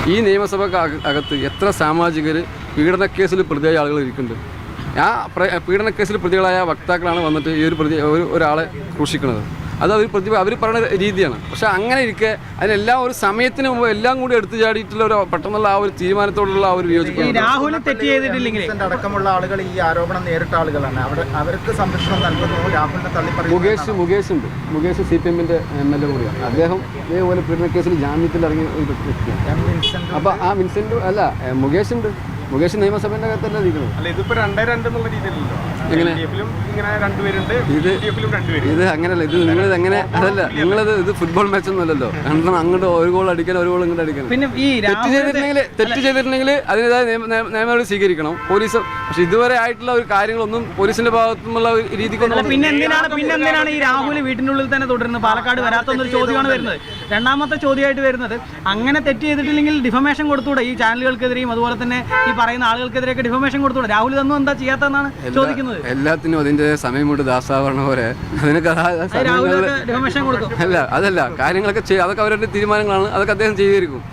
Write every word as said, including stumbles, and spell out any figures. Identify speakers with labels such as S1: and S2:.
S1: ഈ നിയമസഭയ്ക്ക് അകത്ത് എത്ര സാമാജികർ പീഡനക്കേസിൽ പ്രതിയായ ആളുകൾ ഇരിക്കുന്നുണ്ട്. ആ പീഡനക്കേസിൽ പ്രതികളായ വക്താക്കളാണ് വന്നിട്ട് ഈ ഒരു പ്രതി ഒരു ഒരാളെ ക്രൂശിക്കുന്നത്. അത് അവർ പ്രതി അവർ പറയുന്ന രീതിയാണ്. പക്ഷേ അങ്ങനെ ഇരിക്കെ അതിനെല്ലാം ഒരു സമയത്തിന് മുമ്പ് എല്ലാം കൂടി എടുത്തു ചാടിയിട്ടുള്ള ഒരു പെട്ടെന്നുള്ള ആ ഒരു തീരുമാനത്തോടുള്ള ആ ഒരു വിയോജിപ്പ്.
S2: രാഹുൽ തെറ്റ് ചെയ്തിട്ടില്ലെങ്കിൽ
S3: അടക്കമുള്ള ആളുകൾ ഈ ആരോപണം നേരിട്ട ആളുകളാണ്. അവിടെ അവർക്ക് സംരക്ഷണം നൽകുന്നു. രാഹുലിനെ തള്ളിപ്പറയുന്നു.
S1: മുകേഷ് മുകേഷ് ഉണ്ട്. മുകേഷ് സി പി എമ്മിൻ്റെ എം എൽ എ കൂടിയാണ്. അദ്ദേഹം ഇതേപോലെ പീഡനക്കേസിൽ ജാമ്യത്തിൽ ഇറങ്ങിയ ഒരു വ്യക്തിയാണ്. അപ്പോൾ ആ വിൻസെൻ്റ് അല്ല, മുകേഷ് ഉണ്ട്. മുകേഷ് നിയമസഭേൻ്റെ അകത്തല്ല ഇരിക്കുന്നത്. എങ്ങനെ ഇത് ഇത് അങ്ങനെയല്ല. ഇത് നിങ്ങളിത് എങ്ങനെ അതല്ല നിങ്ങളിത് ഇത് ഫുട്ബോൾ മാച്ച് ഒന്നും അല്ലല്ലോ. കാരണം അങ്ങോട്ട് ഒരു ഗോൾ അടിക്കണം, ഒരു ഗോൾ ഇങ്ങോട്ട് അടിക്കണം.
S2: പിന്നെ ഈ
S1: തെറ്റ് ചെയ്തിട്ടുണ്ടെങ്കിൽ തെറ്റ് ചെയ്തിട്ടുണ്ടെങ്കിൽ അതിൻ്റെതായ നിയമനടപടി സ്വീകരിക്കണം പോലീസ്. പക്ഷെ ഇതുവരെ ആയിട്ടുള്ള ഒരു കാര്യങ്ങളൊന്നും പോലീസിന്റെ ഭാഗത്തുനിന്നുള്ള രീതിക്കൊന്നും.
S2: പിന്നെ എന്തിനാണ് പിന്നെ എന്തിനാണ് ഈ രാഹുൽ വീട്ടിനുള്ളിൽ തന്നെ തുടരുന്നത്? പാലക്കാട് വരാത്തൊന്നൊരു ചോദ്യമാണ് വരുന്നത്. രണ്ടാമത്തെ ചോദ്യമായിട്ട് വരുന്നത്, അങ്ങനെ തെറ്റ് ചെയ്തിട്ടില്ലെങ്കിൽ ഡിഫമേഷൻ കൊടുത്തൂടെ ഈ ചാനലുകൾക്കെതിരെയും അതുപോലെ തന്നെ ഈ പറയുന്ന ആളുകൾക്കെതിരെയൊക്കെ ഡിഫമേഷൻ കൊടുത്തൂടെ? രാഹുൽ ഇതൊന്നും എന്താ ചെയ്യാത്തതെന്നാണ് ചോദിക്കുന്നത്.
S1: എല്ലാത്തിനും അതിന്റെ സമയം കൊണ്ട് ദാസാവണ പോലെ അതിനൊക്കെ
S2: ഡിഫമേഷൻ കൊടുത്തു.
S1: അല്ല അതല്ല കാര്യങ്ങളൊക്കെ അതൊക്കെ അവരുടെ തീരുമാനങ്ങളാണ്. അതൊക്കെ അദ്ദേഹം ചെയ്തിരിക്കും.